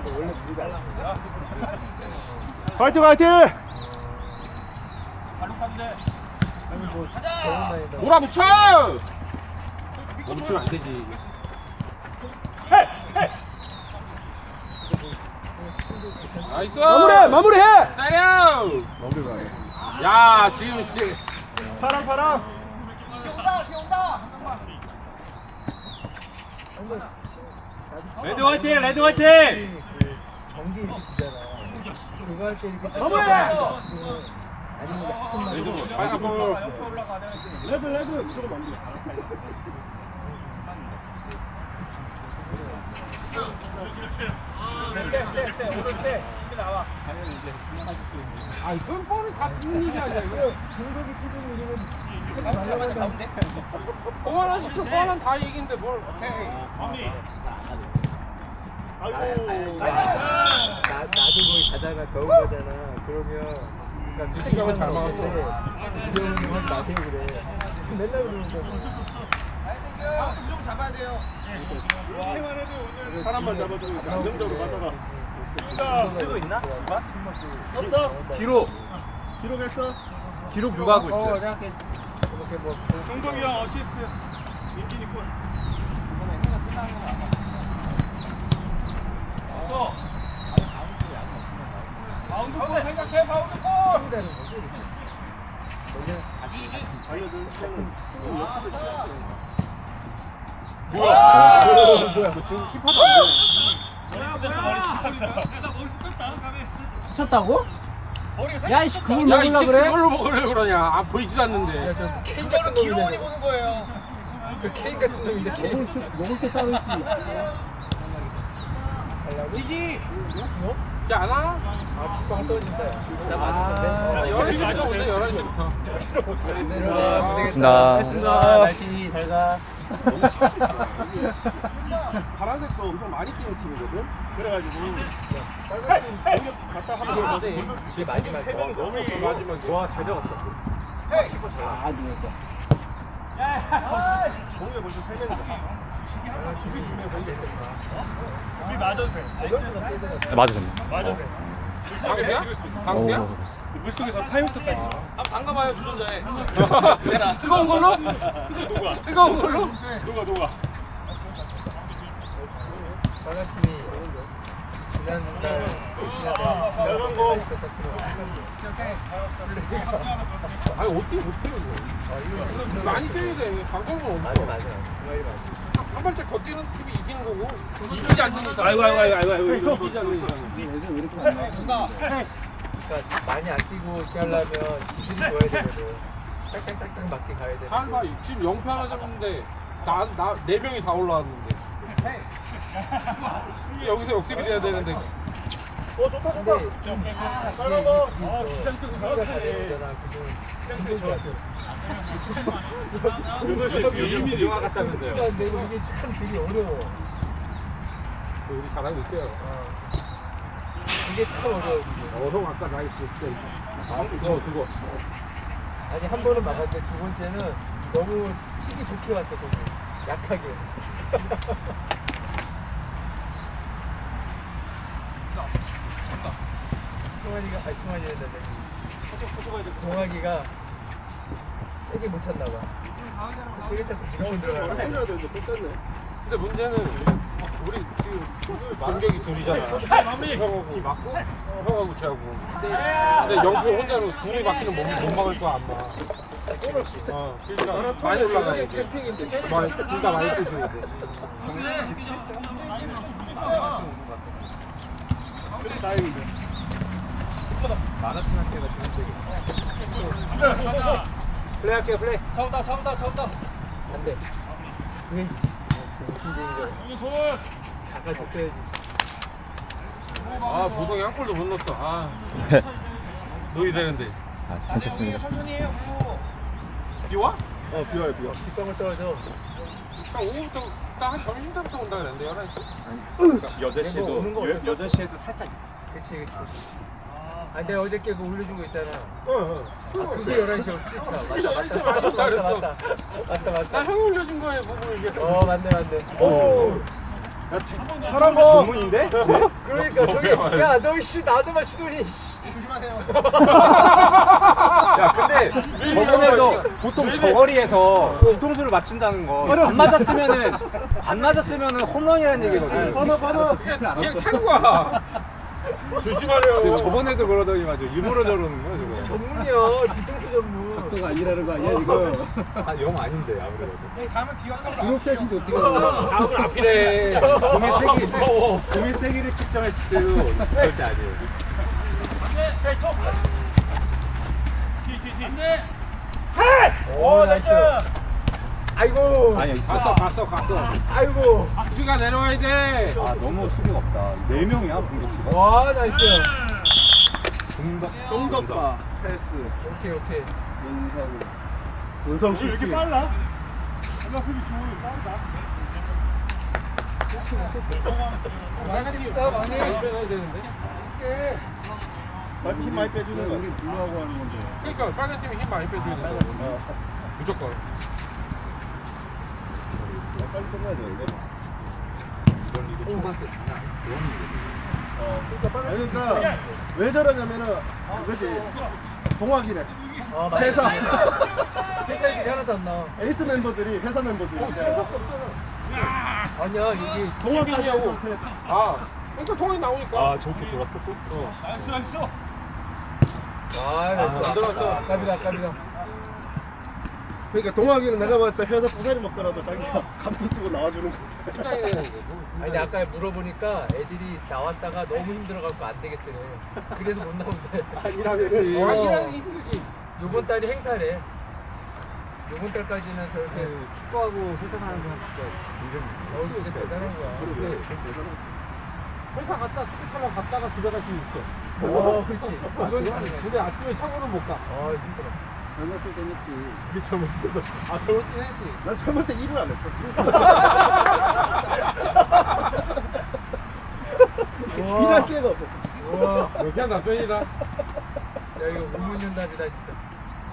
화이팅 화이팅! 몰아붙여! 멈추면 안 되지. 나이스! 마무리해! 때려! 야, 지금 씨. 파랑 레드 화이팅! 레드 화이팅! 경기 일식이잖아. 그거 할 때 이렇게 마무리! 아니면 레드 빨간 볼. 레드 들어가면 안 돼. 아, 이건 볼이 다 듣는 얘기 아니야, 이거. 중국이 피디는 이름은 볼 하나 시켜, 볼 하나 다 얘기인데 뭘, 오케이. 아이고. 나도 거기 가다가 겨우 가잖아. 그러면 그러니까 두 시간을 잘 막았어. 귀여운 건 마세요 그래. 맨날 그러는 거. 사람만 잡아주니까 안정적으로 가다가 쓰고 있나? 기록했어? 기록 누가 하고 있어요? 이렇게 뭐 정동이 형 어시스트, 민진이 골. 바운드 골 생각해, 바운드 골. 한다는 거지. 뭐야, 지금 힙하도 안 되네. 머리 스쳤어. 나 머리 스쳤다. 스쳤다고? 머리가 야, 이씨, 그걸 야, 이 먹으려 새끼 그래? 그걸로 먹으려고 그러냐. 아, 보이지도 않는데. 그거는 기록원이 보는 거예요. 그 케이크 같은 놈인데 케이크 먹을 때 따로 있지. 지지! 야, 안 와? 아, 빗방울 떨어진다. 나 맞았는데. 11시부터 오네, 11시부터. 고생했습니다. 날씨 잘 가. 파란색도 엄청 많이 뛰는 팀이거든? 그래가지고 공격 갔다 하면 이게 마지막. 세 명이 너무 없어. 마지막에. 와, 잘 잡았다. 아, 누웠어. 공격 벌써 세 명이다. 우리 맞아도 돼. 맞아 됐네. 맞아도 돼. 강수야? 강수야? 물속에서 8m까지. 한번 담가봐요, 주전자에. 뜨거운 걸로? 뜨거운 걸로? 녹아. 빨간팀이 지난달 빨간 공. 아니, 어떻게 못해요, 이거. 많이 뛰어야 돼. 강경은 맞아 없어. 맞아. 그 말이 맞아. 한 발짝 더 뛰는 팀이 이기는 거고. 이기지 않는 이상. 아이고. 이기지 않는 이상. 그러니까 많이 안 뛰고 이렇게 하려면 기술이 좋아야 되거든. 딱딱딱딱 맞게 가야 돼. 잘 봐, 지금 0패 하나 잡는데, 네 명이 다 올라왔는데. 이게 여기서 역습이 돼야 되는데. 좋다. 근데 빨간 거. 기술이 요즘 영화 같다면서요. 근데 이게 참 되게 어려워. 우리 잘하고 있어요. 이게 참 어려워. 이게. 형 아까 나이스. 그거. 아니 한 번은 막았는데 두 번째는 너무 치기 좋게 왔어 거기. 약하게. 총환이가 동학이가 세게 못 찼나 봐. 세게 찼고 무조건 들어가. 살려야 되는데 또 뺐네. 근데 문제는 우리 지금 공격이 둘이잖아. 형하고 맞고 형하고 쟤하고. 근데 영표 혼자는 둘이 맞기는 못 막을 거야 안 막. 그러니까 많이 올라가야 돼. 캠핑인데. 둘 다 많이 뛰어야 돼. 그래도 다행이죠. 마라톤 할 때가 좋은데. 플레이 할게요 플레이. 잡았다. 안 돼. 그게 욕심쟁이가. 아까 줬어야지. 아 보성이 한 골도 못 넣었어. 아 넣어야 되는데. 한참 습니다 비 와? 비와요. 뒷방울 떨어져. 딱 오후부터 딱 한 점심때부터 온다 그랬는데 11시. 오는 거 어쩔 수 없어. 8시에도 살짝. 그치. 아, 내가 어저께 그거 올려준 거 있잖아. 응. 아, 그게 11시에 스트레차. 맞다. 맞다. 나 맞다. 맞다. 맞다. 맞다. 맞다. 형이 올려준 거에 보고 이게. 맞네. 오. 오. 저런 거 전문인데? 그러니까 저기 야너 씨 나도만 시도니. 야 근데 저번에도 보통 저거리에서 뒤통수를 맞춘다는 거 안 맞았으면은 홈런이라는 얘기거든. 번호 그냥 찬 거야. 조심하래요. 저번에도 그러더니 맞아 일부러 저러는 거야 저거. 전문이야 뒤통수 전문. 각도가 아니라는 거 아니야 이거? 영 아닌데 아무래도. 가면 뒤가 드롭샷인데 어떻게 하냐? 다음은 앞이래. 공의 세기를 측정했을 때도 절대 아니에요. 오 나이스. 아이고. 아니야 있어. 갔어. 아이고. 수비가 내려와야 돼. 아 너무 수비가 없다. 4명이야 공격수가. 와 나이스. 정덕바 패스 오케이. 문성 왜 이렇게 슈팅. 빨라? 엄마 수비 빠르다. 많이 있어 많이. 많이 빼놔야 되는데. 힘 많이 빼주는 거. 우리 불러하고 하는 건데. 그러니까 빨간 팀이 힘 많이 빼줘야 된다. 무조건. 빨리 끝내야 되는데. 그러니까 왜 저러냐면은 그지 동학이네. 회사 회사들이 하나도 안 나와. 에이스 멤버들이 회사 멤버들이 아니야 이게 동학이냐고. 아, 그러니까 통이 나오니까. 저렇게 돌았어 또? 나이스. 아 나이스. 안 들어갔어. 아깝이다. 그러니까 동학이는 내가 봤을 때 회사 부사리 먹더라도 자기가 감투 쓰고 나와주는 거. 팀장이 되는 거고. 아니 아까 물어보니까 애들이 나왔다가 너무 힘들어갖고 안 되겠대요. 그래서 못 나온대. 아니라면은 어. 일하는 힘들지. 요번 달이 행사래. 요번 달까지는 저렇게 축구하고 회사 가는 사람 진짜 진짜 대단한 거야. 회사 갔다 축구 차려 갔다가 집에 갈 수 있어. 오 그렇지. 그건 가능해. 근데 아침에 차고는 못 가. 아 힘들어. 젊었을 땐 했지. 그게 잘못된 거. 아 저렇긴 했지. 난 젊을 때 일을 안 했어. 일할 기회가 없었어. 와. 여기 한 남편이다. 야 이거 우문윤답이다 진짜.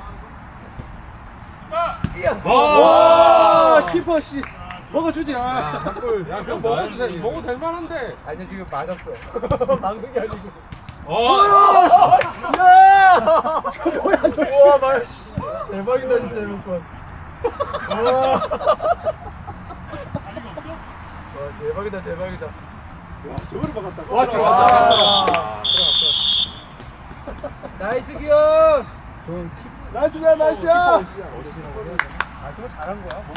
와 키퍼 씨 먹어주지. 아. 한골. 야 그럼 먹어도 될 만한데. 아니 지금 맞았어. 막는 게 아니고. 야! 뭐야 저 씨. 우와 말. 대박이다 진짜 이번 건. 와. 와 대박이다. 와 저거를 막았다고? 와, 들어갔다. 들어갔어. 나이스 기영. 나이스야 나이스야. 아 그거 잘한 거야.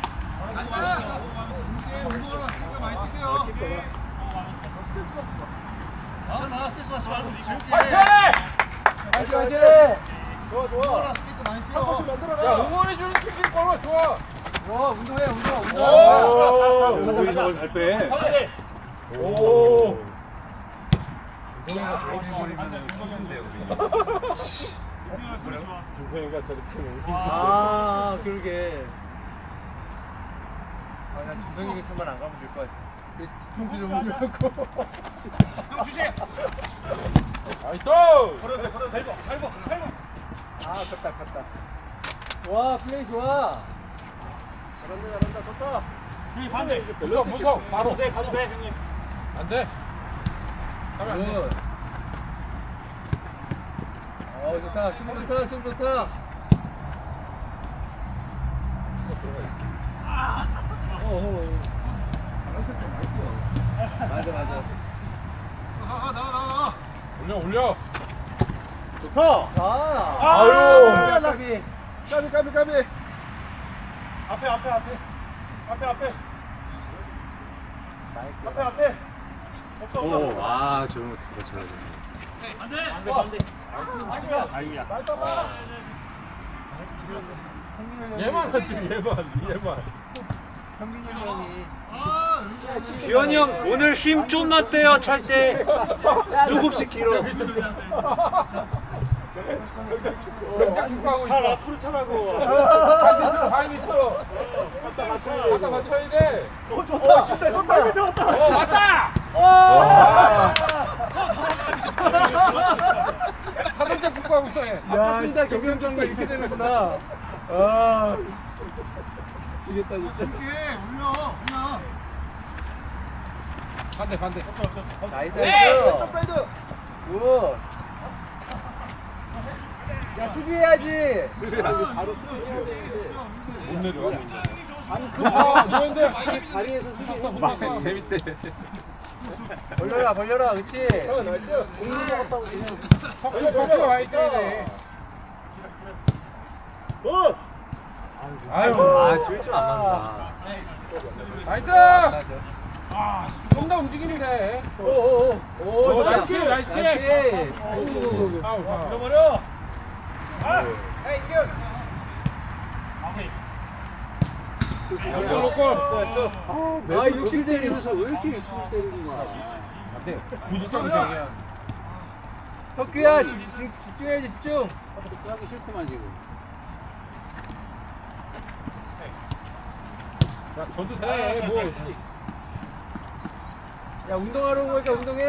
나이스. 좋아. 한 번씩 만들어가. 야 응원해주는 팀이 얼마나 좋아. 와 운동해. 오, 저걸 잘 빼. 오. 준성이가 저렇게 아 그러게. 아난 준성이가 천만 안 가면 될 것 같아. 뒤통수 좀 흔들고. 나이스. 아 갔다. 와 플레이 좋아. 잘한다 좋다. 형님 반대. 무석 바로. 가도 돼 형님. 안 돼. 가면 안 돼. 좋다. 힘 좋다. 맞아. 올려. 좋다. 아유. 까비. 앞에. 없어. 오, 와 저런 거 그거 쳐야 돼. 반대. 아이고야. 얘만 하지 얘만. 현빈이 형이. 규현이 형 오늘 힘 좀 났대요 찰 때. 조금씩 길어. 경장 축구하고 있어. 앞으로 차라고. 하이미 쳐. 갖다 맞춰야 돼. 좋다. 좋다. 맞다. 자동차 축구하고 있어 얘. 야 진짜 경영장가 이렇게 되는구나. 아. 지겠다 진짜. 반대. 나이스. 왼쪽 사이드. 굿. 야, 수비해야지. 바로 수비해야 돼. 못 내려와. 아니, 좋은데. 자리에서 수비. 막 재밌대. 벌려라. 그렇지. 나이스. 박수가 많이 떠야 돼. 굿. 아유. 줄줄안 맞는다. 나이스. 좀 더 움직이는 게. 오, 나이스 킥. 나이스. 아우. 잃어버려. 에이 이겨. 놓고. 아 60 때리면서 왜 이렇게 60 때리는 거야? 안 돼. 무지성이야. 혁규야, 집중해야지, 집중. 하기 싫구만 지금. 야, 저도 돼. 뭐. 야, 운동하러 온 거니까 운동해.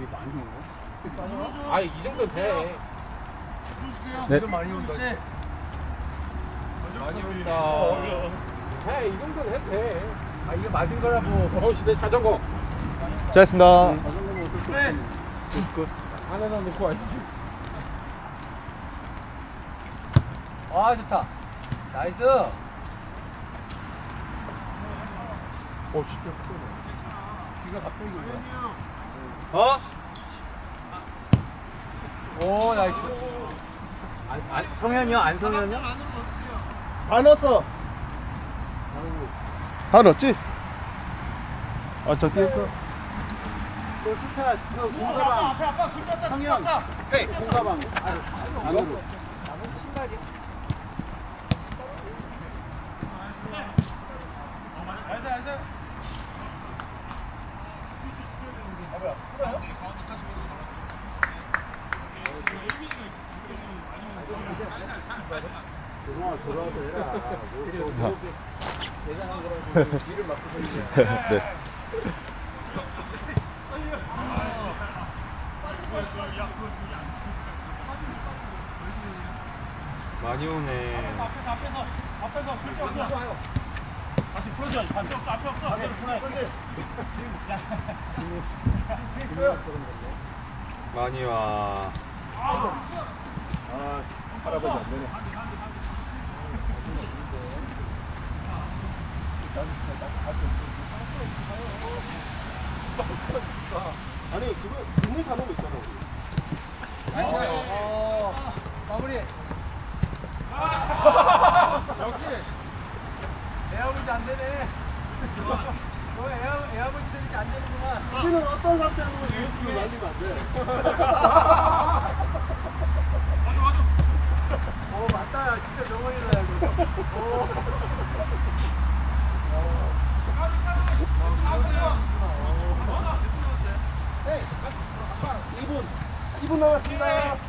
이 정도 돼. 네. 좀 많이 온다. 많이 온다. 해, 이 정도는 해도 돼. 아, 이거 맞은 거라고. 내 자전거. 잘했습니다. 네. 하나 놓고 와야지. 아, 좋다. 나이스. 진짜 크네. 귀가 갑자기 올라. 어? 오, 나이스. 성현이요? 안성현이요? 다 넣었어. 다 넣었지? 저 뒤에 거. 또 스타, 공가방. 앞에, 성형. 네, 공가방. 안으로. 돌아와서 해라. 대단한 거라고 뒤를 막고 있냐. 네. 많이 오네. 앞에서 글자 없어. 다시 풀어줘야지. 앞에 없어. 앞에로 풀어. 많이 와. 할아버지 안 되네. 아니 그거 국물 사놓은 거 있잖아. 마무리. 역시 애아버지 안 되네. 너 애아버지 되니까 안 되는구만. 우리는 어떤 상태로 예수를 날리면 안 돼. 맞다. 진짜 정원이다 이거. 헤이, 2분 남았습니다.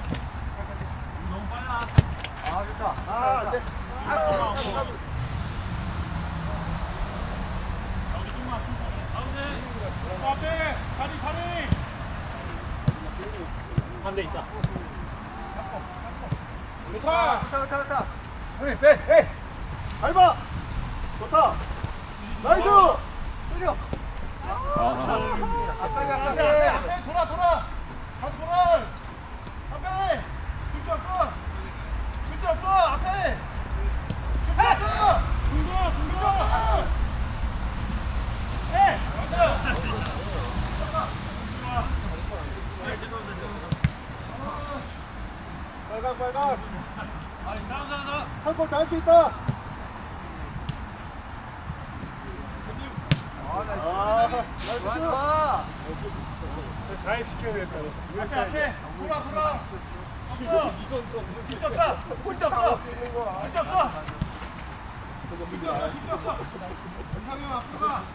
아, 좋다. 안 돼. 앞에 다리. 반대 있다. 좋다. 헤이, 헤이. 밟아. 좋다. 나이스. 때려. 앞에. 앞에 돌아. 돌아. 앞에. 글자 없어. 앞에. 글자 없어. 중도. 해. 빨강. 한골 더 할 수 있다. 좋아. 드라이브 시켜야 될 거. 앞에. 돌아. 없어. 글자 없어. 이상형 앞으로 가.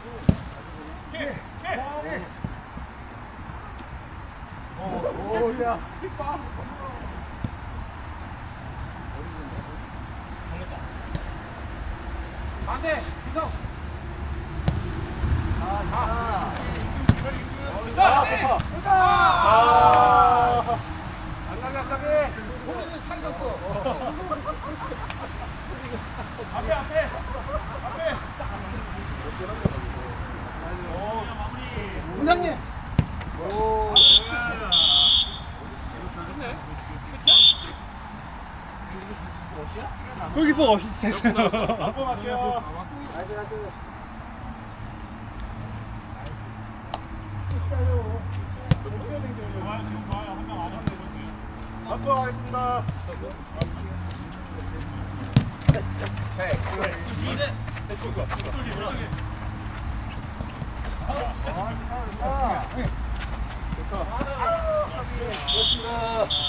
오, 야. 반대. 기성. 좋다. 안 나게. 호수는 살렸어. 앞에. 원장님. 오. 골키퍼 어시스트 했어요. 한번 할게요. 한번 하겠습니다. 좋다. 고맙습니다.